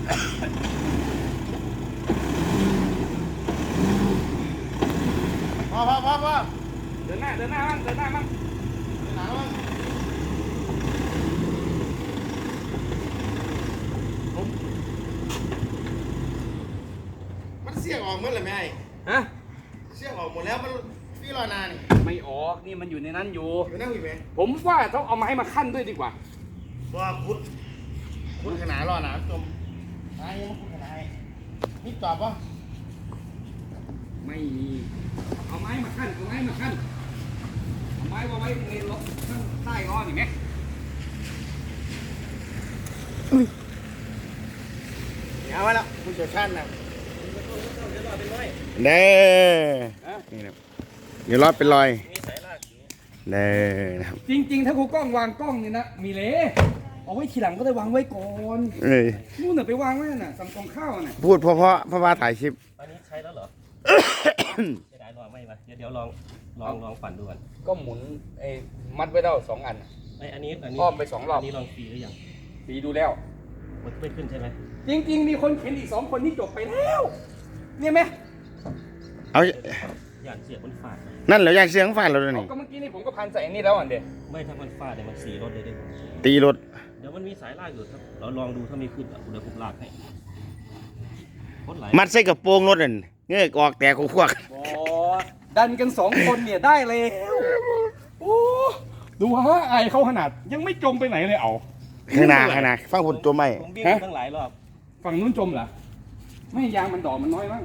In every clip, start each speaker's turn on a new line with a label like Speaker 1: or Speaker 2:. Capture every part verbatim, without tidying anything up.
Speaker 1: พอพอพอพอ
Speaker 2: เดินหน้าเดินหน้ามั่งเดินหน้ามั่ง
Speaker 1: เดินหน้ามั่งผมมันเสียงออกหมดเลยไหมไอ้
Speaker 2: ฮะ
Speaker 1: เสียงออกหมดแล้วมันพี่รอนานนี่
Speaker 2: ไม่ออกนี่มันอยู่ในนั้นอยู่
Speaker 1: อยู่นั่งอยู่ไหม
Speaker 2: ผมว่าต้องเอาไม้มาขั้นด้วยดีกว่า
Speaker 1: ว่าคุดคุดขนาดรอหนาจมไอ้ยังคุดขนาดนี่ตอบป่ะ
Speaker 2: ไม่มีเอาไม้มาขั้นเอาไม้มาขั้นเอาไม้มาไว้ในรถข้างใต้ล้อนี่ไหม
Speaker 1: เอาไว้แล้วผู้เชี่ยวชาญนะ
Speaker 3: เด้นี่นะเดี๋ยวรอดเป็นรอยเด้นะครับ
Speaker 2: จริงๆถ้าครูกล้องวางกล้องนี่นะมีเละเอาไว้ทีหลังก็ได้วางไว้ก่อน
Speaker 3: เอ้ย
Speaker 2: นู่นน่ะไปวางไว้น่ะสั่งกองข้าวน่ะ
Speaker 3: พูดเพราะเพราะเพราะว่าถ่ายคลิป
Speaker 4: อันนี้ใช้แล้วเหรอจะได้ลองไหมวะเดี๋ยวเดี๋ยวลองลองลองปั่นดูก่อน
Speaker 2: ก็หมุนไอ้มัดไว้ได้สองอัน
Speaker 4: ไอ้อันนี้อันนี้
Speaker 2: อ้อมไปสองรอบ
Speaker 4: อันนี้ลองฟรีหรือยัง
Speaker 2: ฟรีดูแล้ว
Speaker 4: มันไม่ขึ้นใช่ไหม
Speaker 2: จริงๆมีคนเข็นอีกสองคนที่จบไปแล้วเนี่ยไหม
Speaker 3: เอา
Speaker 4: อย่างเสียบมันฟาด
Speaker 3: นั่นเหรออยากเสียงฟาดเราเลยนี่
Speaker 2: ก็เมื่อกี้นี่ผมก็พันใส่นี่แล้วอ่ะเด็ก
Speaker 4: ไม่ถ้ามันฟาดเนี่ยมันสีรถเลยดิ
Speaker 3: ตีรถ
Speaker 4: เดี๋ยวมันมีสายลากอยู่ครับเราลองดูถ้าไม่ขึ้นอ่ะเดี๋ยวผมลากให้
Speaker 3: มัดใส่กระโปรงรถนั่นเงยออกแต่ขวก
Speaker 2: โอ้ดันกันสองคนเนี่ยได้เลยโอ้ดูฮะไอเขาขนาดยังไม่จมไปไหนเลยเอา
Speaker 3: ข้างหน้าข้างหน้าฟังผลตัวไม่
Speaker 4: ฮะตั้งหลายรอบ
Speaker 2: ฝั่งนู้นจมเหรอไม่ยางมันดอกมันน้อยมั้ง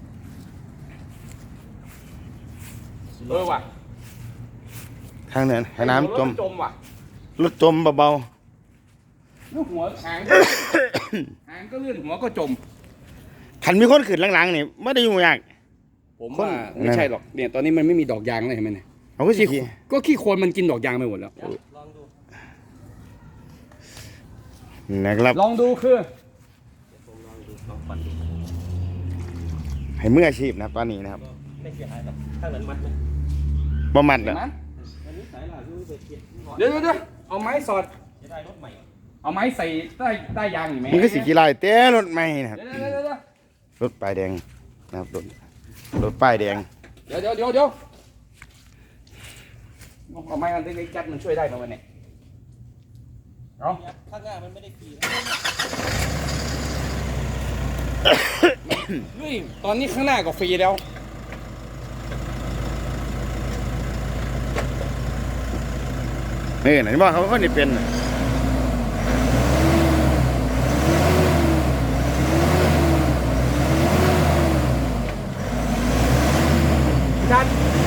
Speaker 2: เออว่ะ
Speaker 3: ทางเนินน้ำจม
Speaker 2: จมว่ะ
Speaker 3: รถจมเบา
Speaker 2: ๆลูกหัวหางหางก็เลื่อนหัวก็จม
Speaker 3: ขันมีคนขึ้นหลังๆนี่ไม่ได้ยุ่งยาก
Speaker 2: ผมว่าไม่ใช่หรอกเนี่ยตอนนี้มันไม่มีดอกยางเลยเห็นไหมเนี่ย
Speaker 3: เขาก็ขี้
Speaker 2: ก็ขี้โคลนมันกินดอกยางไปหมดแล้ว
Speaker 4: ลองดู
Speaker 3: นะครับ
Speaker 2: ลองดูคือ
Speaker 4: ผมลองดูลองปั่นดู
Speaker 3: ให้มืออาชีพนะตอนนี้นะครับ
Speaker 4: ไม่เสียหายหรอกถ้านั้นมัดมัน
Speaker 3: บ่มัดเหรอ
Speaker 4: อันนี้สายหลักดูไปเก็บ
Speaker 2: เดี๋ยวเดี๋ยวเอาไม้สอด
Speaker 4: จะได้รถใหม่
Speaker 2: เอาไม้ใส่ใต้ใต้ยางอยู่ไหม
Speaker 3: มันก็สีกีฬาเต้รถใหม่นะครับรถป้ายแดงนะครับรถรถป้ายแดง
Speaker 2: เดี๋ยวเดี๋ยวเดี๋ยวเดี๋ยวเอาไม้อันเล็กๆจัดมันช่วยได้ไหมวันนี้เอา
Speaker 4: ข้างหน้ามันไม่ได้ขี่
Speaker 2: เฮ้ยตอนนี้ข้างหน้าก็ฟรีแล้ว
Speaker 3: นี่ไหนบอกเขาเขาได้เป็น
Speaker 2: ชัด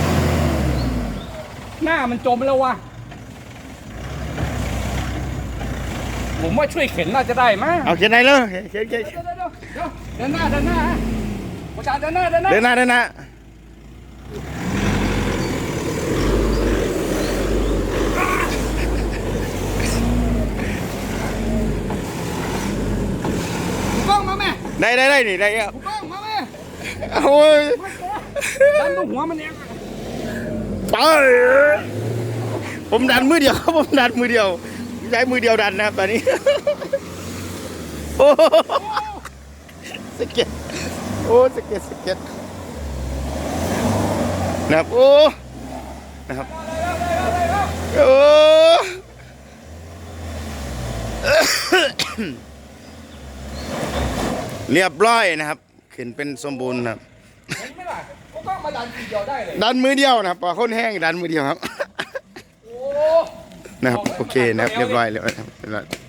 Speaker 2: หน้ามันจมแล้ววะผมว่าช่วยเข็นน่าจะได้มั้ย
Speaker 3: เอาเข็นไหนเลยเข็นเข็น
Speaker 2: เดี๋ยวเดี๋ยวเดี๋ยวเดินหน้าเดินหน้าประชาเดินหน้าเดินหน้า
Speaker 3: เดินหน้าเดินหน้าได้ได้ได้นี่ได้เอ้า
Speaker 2: มาแม่
Speaker 3: โอ้ย
Speaker 2: ดันตรงหัวมันเอง
Speaker 3: ไปผมดันมือเดียวครับผมดันมือเดียวใช้มือเดียวดันนะครับตอนนี้โอ้สเก็ตโอ้สเก็ตสเก็ตนะครับโอ้นะครับโอ้เรียบร้อยนะครับขึ้นเป็นสมบูรณ์ครับ
Speaker 2: ไม่ล่ะก็มาดันมือเดียวได้เลย
Speaker 3: ดันมือเดียวนะครับปลาข้นแห้งดันมือเดียวครับนะครับโอเคนะครับเรียบร้อยแล้วนะครับ